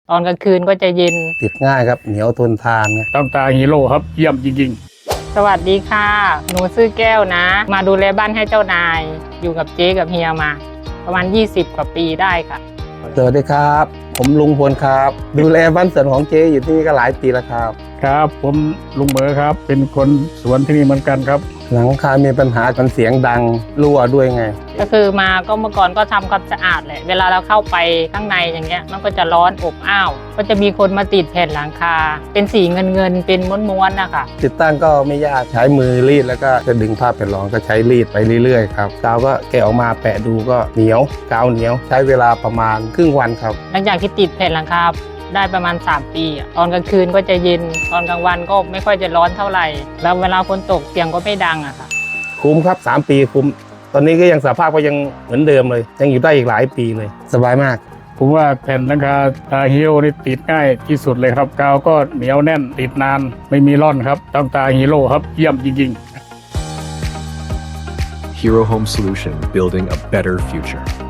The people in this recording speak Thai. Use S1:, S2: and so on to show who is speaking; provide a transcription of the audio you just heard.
S1: ตอนกลางคืนก็จะเย็น
S2: ติดง่ายครับเหนียวทนทานนะ
S3: ต้องตาฮีโร่ครับเยี่ยมจริง
S1: สวัสดีค่ะหนูชื่อแก้วนะ มาดูแลบ้านให้เจ้านาย อยู่กับเจ๊กับเฮียมา ประมาณ20 กว่าปีได้ค่ะ
S2: สวัสดีครับ ผมลุงพลครับ ดูแลบ้านสวนของเจ๊อยู่ที่นี่ก็หลายปีแล้วครับ
S3: ๆครับผมลุงเหมอครับเป็นคนสวนที่นี่เหมือนกันครับ
S2: หลังคามีปัญหากันเสียงดังรั่วด้วยไง
S1: ก็คือมาก็เมื่อก่อนก็ทำความสะอาดแหละเวลาเราเข้าไปข้างในอย่างเงี้ยมันก็จะร้อนอบอ้าวก็จะมีคนมาติดแผ่นหลังคา เป็นสีเงินเป็นม้วนๆนะคะ
S2: ติดตั้งก็ไม่ยากใช้มือรีดแล้วก็จะดึงผ้าแผ่นรองก็ใช้รีดไปเรื่อยๆครับกาวก็แกะออกมาแปะดูก็เหนียวกาวเหนียวใช้เวลาประมาณครึ่งวันครับ
S1: หลังจากที่ติดแผ่นหลังคาได้ประมาณ3 ปีอะตอนกลางคืนก็จะเย็นตอนกลางวันก็ไม่ค่อยจะร้อนเท่าไหร่แล้วเวลาฝนตกเสียงก็ไม่ดังอะค่ะ
S2: คุ้มครับ3 ปีคุ้มตอนนี้ก็ยังสภาพก็ยังเหมือนเดิมเลยยังอยู่ได้อีกหลายปีเลยสบายมาก
S3: ผมว่าแผ่นหลังคาตาฮีโร่นี่ติดง่ายที่สุดเลยครับกาวก็เหนียวแน่นติดนานไม่มีร่อนครับต้องตาฮีโร่ครับเยี่ยมจริงๆ
S4: Hero Home Solution, building a better future.